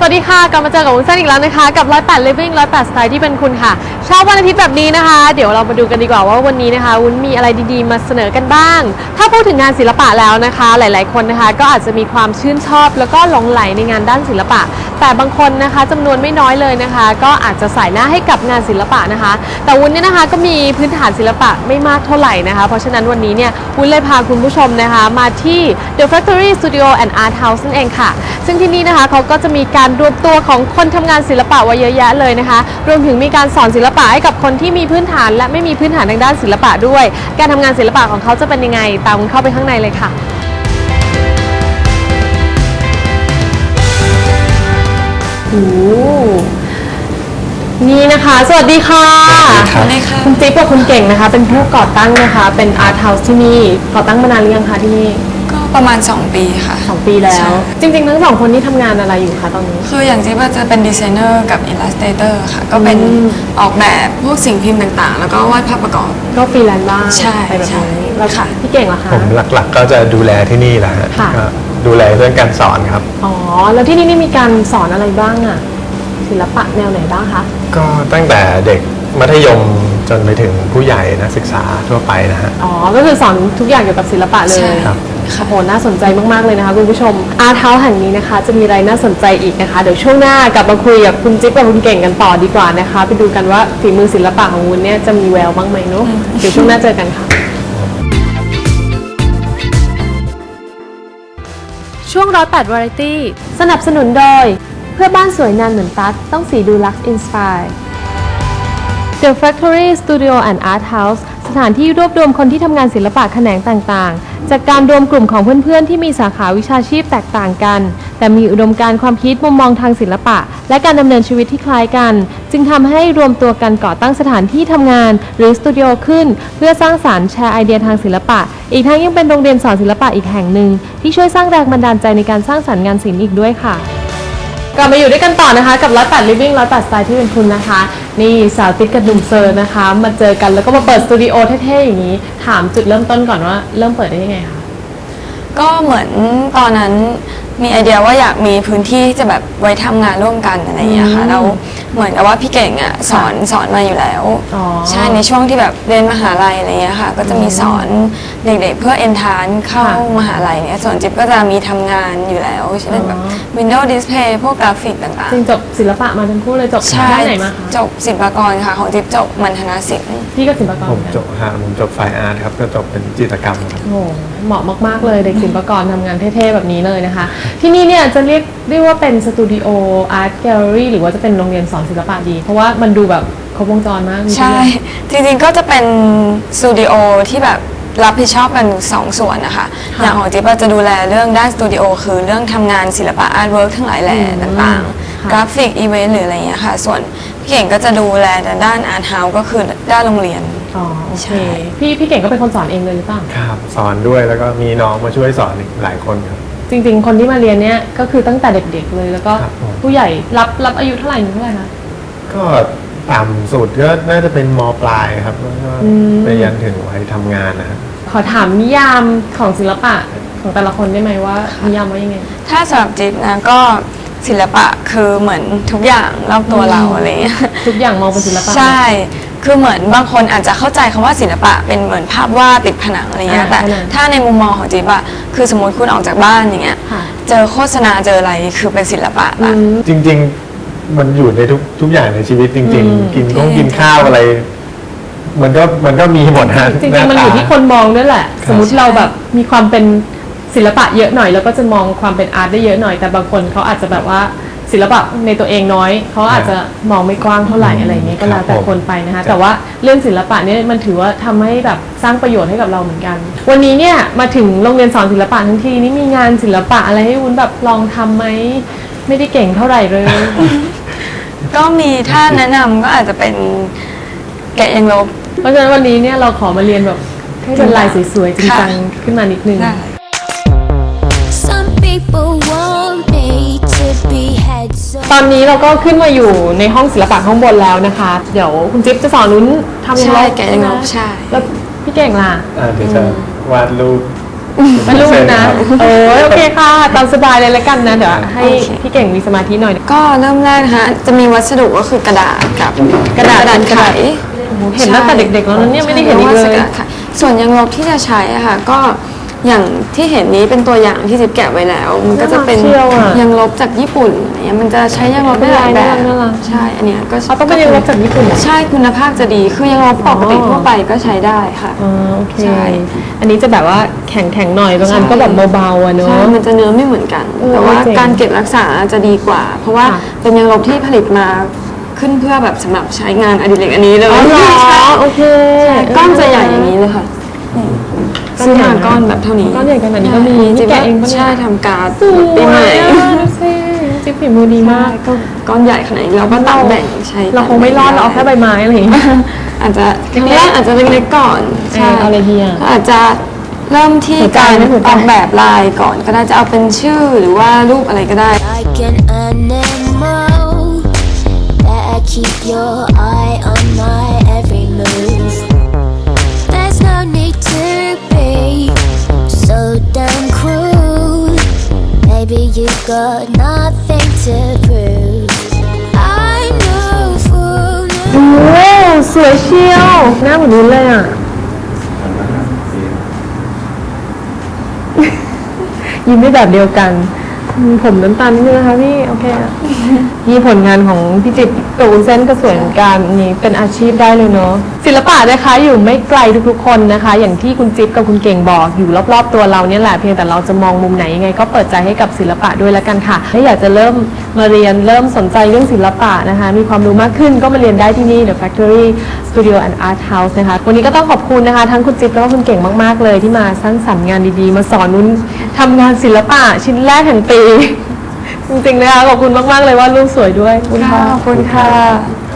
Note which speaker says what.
Speaker 1: วัสดีค่ะกลับมาเจอกับวุ้นเส้นอีกแล้วนะคะกับ108 Living 108 Style ที่เป็นคุณค่ะเช้าวันอาทิตย์แบบนี้นะคะเดี๋ยวเรามาดูกันดีกว่าว่าวันนี้นะคะวุ้นมีอะไรดีๆมาเสนอกันบ้างถ้าพูดถึงงานศิลปะแล้วนะคะหลายๆคนนะคะก็อาจจะมีความชื่นชอบแล้วก็หลงไหลในงานด้านศิลปะแต่บางคนนะคะจำนวนไม่น้อยเลยนะคะก็อาจจะสายหน้าให้กับงานศิลปะนะคะแต่วุ้นเนี่ยนะคะก็มีพื้นฐานศิลปะไม่มากเท่าไหร่นะคะเพราะฉะนั้นวันนี้เนี่ยวุ้นเลยพาคุณผู้ชมนะคะมาที่ The Factory Studio and Art House นั่นเองค่ะซึ่งที่นี่นะคะเขาก็จะมีการรวมตัวของคนทำงานศิลปะไว้เยอะแยะเลยนะคะรวมถึงมีการสอนศิลปะให้กับคนที่มีพื้นฐานและไม่มีพื้นฐานทางด้านศิลปะด้วยการทำงานศิลปะของเขาจะเป็นยังไงตามเข้าไปข้างในเลยค่ะโอ้นี่นะคะสวัสดีค่ะ
Speaker 2: สวัสดีค่ะ
Speaker 1: คุณจิ๊บกับคุณเก่งนะคะเป็นผู้ก่อตั้งนะคะเป็น Art House ที่นี่ก่อตั้งมานานหรือยังคะที่นี่
Speaker 2: ก็ประมาณ2 ปีค่ะ
Speaker 1: 2 ปีแล้วจริงๆทั้ง2คนนี้ทำงานอะไรอยู่คะตอนนี้
Speaker 2: คืออย่างจิ๊บจะเป็นดีไซเนอร์กับอิลลัสเตเตอร์ค่ะก็เป็นออกแบบพวกสิ่งพิมพ์ต่างๆแล้วก็วาดภาพประกอบ
Speaker 1: ก็ฟรีแลนซ์บ้าง
Speaker 2: ใช่
Speaker 1: ไปแบบนี้แล้ว
Speaker 2: ค่ะ
Speaker 1: พี่เก่งล่ะคะ
Speaker 3: ผมหลักๆก็จะดูแลที่นี่แหละฮะก็ดูแลเรื่องการสอนครับ
Speaker 1: อ๋อแล้วที่นี่มีการสอนอะไรบ้างอะศิลปะแนวไหนบ้างคะ
Speaker 3: ก็ตั้งแต่เด็กมัธยมจนไปถึงผู้ใหญ่นักศึกษาทั่วไปนะฮะ
Speaker 1: อ๋อก็คือสอนทุกอย่างเกี่ยวกับศิลปะเลย
Speaker 3: ครับ
Speaker 1: โอ้โหน่าสนใจมากๆเลยนะคะคุณผู้ชมArt Houseแห่งนี้นะคะจะมีอะไรน่าสนใจอีกนะคะเดี๋ยวช่วงหน้ากลับมาคุยกับคุณจิ๊บกับคุณเก่งกันต่อดีกว่านะคะไปดูกันว่าฝีมือศิลปะของวุ้นเนี่ยจะมีแววบ้างไหมเนาะเดี๋ยวช่วงหน้าเจอกันค่ะช่วง108 Variety สนับสนุนโดยเพื่อบ้านสวยนานเหมือนตั๊กต้องสีดูลักซ์อินสไปร์ The Factory Studio and Art House สถานที่รวบรวมคนที่ทำงานศิลปะแขนงต่างๆจากการรวมกลุ่มของเพื่อนๆที่มีสาขาวิชาชีพแตกต่างกันแต่มีอุดมการณ์ความคิดมุมมองทางศิลปะและการดำเนินชีวิตที่คล้ายกันจึงทำให้รวมตัวกันก่อตั้งสถานที่ทำงานหรือสตูดิโอขึ้นเพื่อสร้างสรรค์แชร์ไอเดียทางศิลปะอีกทั้งยังเป็นโรงเรียนสอนศิลปะอีกแห่งหนึ่งที่ช่วยสร้างแรงบันดาลใจในการสร้างสรรค์งานศิลป์อีกด้วยค่ะกลับมาอยู่ด้วยกันต่อนะคะกับ108 Living 108 Style ที่เป็นคุณนะคะนี่สาวติ๊กกับหนุ่มเซอร์นะคะมาเจอกันแล้วก็มาเปิดสตูดิโอเท่ๆอย่างนี้ถามจุดเริ่มต้นก่อนว่าเริ่มเปิดได้ยังไงคะ
Speaker 2: ก็เหมือนตอนนั้นมีไอเดียว่าอยากมีพื้นที่ที่จะแบบไว้ทำงานร่วมกันอะไรอย่างเงี้ยค่ะแล้วเหมือนกับว่าพี่เก่งอ่ะสอนมาอยู่แล้วใช่ในช่วงที่แบบเรียนมหาลัยอะไรเงี้ยค่ะก็จะมีสอนเด็กๆเพื่อเอนทรานเข้ามหาลัยเนี่ยส่วนจิ๊บก็จะมีทำงานอยู่แล้วเช่นแบบ Windows Display พวกกราฟิกต่างๆ
Speaker 1: จริงจบศิลปะมาทั้งคู่เลยจบด้านไหนมาคะ
Speaker 2: จบศิลปากรค่ะของจิ๊บจบมัณฑนศิลป์
Speaker 1: พี่ก็ศิลปากร
Speaker 3: ผมจบไฟอาร์ตครับก็จบเป็นจิตรกรรมครับ
Speaker 1: โอ้เหมาะมากๆเลยเด็กศิลปากรทำงานเท่ๆแบบนี้เลยนะคะที่นี่เนี่ยจะเรียกว่าเป็นสตูดิโออาร์ตแกลเลอรี่หรือว่าจะเป็นโรงเรียนสอนศิลปะดีเพราะว่ามันดูแบบครบวงจรมาก
Speaker 2: ใช่จริงๆก็จะเป็นสตูดิโอที่แบบรับผิดชอบกัน2 ส่วนนะคะอย่างของจิ๊บจะดูแลเรื่องด้านสตูดิโอคือเรื่องทำงานศิลปะอาร์ตเวิร์กทั้งหลายแหล่ต่างๆกราฟิกอีเวนต์หรืออะไรอย่างเงี้ยค่ะส่วนพี่เก่งก็จะดูแลด้านอาร์ตเฮาส์ก็คือด้านโรงเรียน
Speaker 1: อ๋อโอเคพี่เก่งก็เป็นคนสอนเองเลยหรือเปล่า
Speaker 3: ครับสอนด้วยแล้วก็มีน้องมาช่วยสอนอีกหลายคนครับ
Speaker 1: จริงๆคนที่มาเรียนเนี่ยก็คือตั้งแต่เด็กๆเลยแล้วก็ผู้ใหญ่รับอายุเท่าไหร่คะ
Speaker 3: ก็ต่ำสุดก็น่าจะเป็นม.ปลายครับแล้วก็ไปยันถึงวัยทำงานนะครับ
Speaker 1: ขอถามนิยามของศิลปะของแต่ละคนได้ไหมว่านิยามว่ายังไง
Speaker 2: ถ้าสำหรับจิ๊บนะก็ศิลปะคือเหมือนทุกอย่างรอบตัวเราอะไรเงี้ย
Speaker 1: ทุกอย่างมองเป็นศิลปะ
Speaker 2: ใช่คือเหมือนบางคนอาจจะเข้าใจคำว่าศิลปะเป็นเหมือนภาพวาดติดผนังอะไรเงี้ยแต่ถ้าในมุมมองของจิ๊บอะคือสมมติคุณออกจากบ้านอย่างเงี้ยเจอโฆษณาเจออะไรคือเป็นศิลปะละ
Speaker 3: จริงๆมันอยู่ในทุกอย่างในชีวิตจริงๆกินข้าวอะไรมันก็มีหมดฮะ
Speaker 1: จริงๆมันอยู่ที่คนมองด้วยแหละสมมุติเราแบบมีความเป็นศิลปะเยอะหน่อยแล้วก็จะมองความเป็นอาร์ตได้เยอะหน่อยแต่บางคนเขาอาจจะแบบว่าศิลปะในตัวเองน้อยเขาอาจจะมองไม่กว้างเท่าไหร่อะไรอย่างเงี้ยก็แล้วแต่คนไปนะคะแต่ว่าเรื่องศิลปะเนี่ยมันถือว่าทำให้แบบสร้างประโยชน์ให้กับเราเหมือนกันวันนี้เนี่ยมาถึงโรงเรียนสอนศิลปะทั้งทีนี่มีงานศิลปะอะไรให้วุ้นแบบลองทำไหมไม่ได้เก่งเท่าไหร่เลย
Speaker 2: ก็มีถ้าแนะนำก็อาจจะเป็นแกะยางลบ
Speaker 1: เพราะฉะนั้นวันนี้เนี่ยเราขอมาเรียนแบบให้เป็นลายสวยๆจริงจังขึ้นมานิดนึงตอนนี้เราก็ขึ้นมาอยู่ในห้องศิลปะข้างบนแล้วนะคะเดี๋ยวคุณจิ๊บจะสอนนุ้นทำยังไง
Speaker 2: แกะยางลบใช่
Speaker 1: แล้วพี่เก่งล่ะ
Speaker 3: เดี๋ยวจะวาดรูป
Speaker 1: เป็นลูกนะ
Speaker 3: 100%
Speaker 1: โอเคค่ะตามสบายเลยละกันนะเดี๋ยวให้
Speaker 2: โอเค
Speaker 1: พี่เก่งมีสมาธิหน่อย
Speaker 2: ก็เริ่มแรกนะคะจะมีวัสดุก็คือกระดาษกับกระดาษไข
Speaker 1: เห็นตั้งแต่เด็กๆแล้วนะเนี่ยไม่ได้เห็นอีกเลย
Speaker 2: ส่วนยางลบที่จะใช้อะค่ะก็อย่างที่เห็นนี้เป็นตัวอย่างที่จิ๊บแกะไว้แล้ว มันก็จะเป็น
Speaker 1: น่ารักเชียวอะ
Speaker 2: ยางลบจากญี่ปุ่นอะไรเงี้ยมันจะใช้ยางลบได้หลายแบบ
Speaker 1: น่ารัก
Speaker 2: ใช่อันเนี้ยก็
Speaker 1: เขาต้องเป็นยางลบจากญี่ปุ่นเหรอ
Speaker 2: ใช่คุณภาพจะดีคือยางลบปกติทั่วไปก็ใช้ได้ค่ะ
Speaker 1: อ๋อโอเค
Speaker 2: ใช่
Speaker 1: อันนี้จะแบบว่าแข็งๆหน่อยบางอันก็แบบเบาๆอะเน
Speaker 2: ใช่
Speaker 1: อะ
Speaker 2: มันจะเนื้อไม่เหมือนกัน แต่ว่า
Speaker 1: เจ๋ง
Speaker 2: การเก็บรักษาจะดีกว่า เพราะว่า
Speaker 1: ค่ะ
Speaker 2: เป็นยางลบที่ผลิตมาขึ้นเพื่อแบบสำหรับใช้งานอดิเรกอันนี้เลย
Speaker 1: อ๋อเหรอ
Speaker 2: ใช่
Speaker 1: โอเค
Speaker 2: ก้อนจะใหญ่อย่างนี้เลยค่ะซื้อมาก้อนแบบเท่านี้
Speaker 1: ก้อนใหญ่ขนาดนี้ก็มี
Speaker 2: จิ๊บ
Speaker 1: นี่แกะเองปะเนี่ย
Speaker 2: ใช่ทำการ์ด
Speaker 1: สวย
Speaker 2: ปีใหม่
Speaker 1: อะดูสิจิ๊บฝีมือดีมาก
Speaker 2: ก็ก้อนใหญ่ขนาดนี้เราก็ตัดแบ่งใช้
Speaker 1: เราคงไม่รอดเราเอาแค่ใบไม้อะไรอย่างเงี้ย
Speaker 2: อาจจะครั้งแรกอาจจะเล็กๆก่อนใช่
Speaker 1: เอาอะไรดีอะ
Speaker 2: อาจจะเริ่มที่
Speaker 1: หัวใจ
Speaker 2: การ
Speaker 1: ไหมหัวใจ
Speaker 2: ออกแบบลายก่อนก็ได้จะเอาเป็นชื่อหรือว่ารูปอะไรก็ได้
Speaker 4: Like an animal that I keep your eye on my every move. There's no need to be so damn cruel. Maybe you've got nothing to prove. I know for
Speaker 1: โอ้สวยเชียวหน้าเหมือนนู้นเลยอ่ะ ยิ้มได้แบบเดียวกันผมน้ำตาลนิดนึงนะคะพี่ โอเคอะนี่ผลงานของพี่จิ๊บกับวุ้นเส้นก็สวยเหมือนกันนี่เป็นอาชีพได้เลยเนาะศิลปะนะคะอยู่ไม่ไกลทุกๆคนนะคะ อย่างที่คุณจิ๊บกับคุณเก่งบอกอยู่รอบๆตัวเราเนี่ยแหละเพียงแต่เราจะมองมุมไหนยังไงก็เปิดใจให้กับศิลปะด้วยแล้วกันค่ะถ้าอยากจะเริ่มมาเรียนเริ่มสนใจเรื่องศิลปะนะคะ มีความรู้มากขึ้นก็มาเรียนได้ที่นี่ The Factory Studio and Art House นะคะวันนี้ก็ต้องขอบคุณนะคะทั้งคุณจิ๊บแล้วก็คุณเก่งมากๆเลยที่มาสร้างสรรค์งานดีๆ มาสอนนุ้นทำงานศิลปะชิ้นแรกแห่งปี จริงๆนะคะขอบคุณมากๆเลยว่ารูปสวยด้วยขอบคุณค่ะ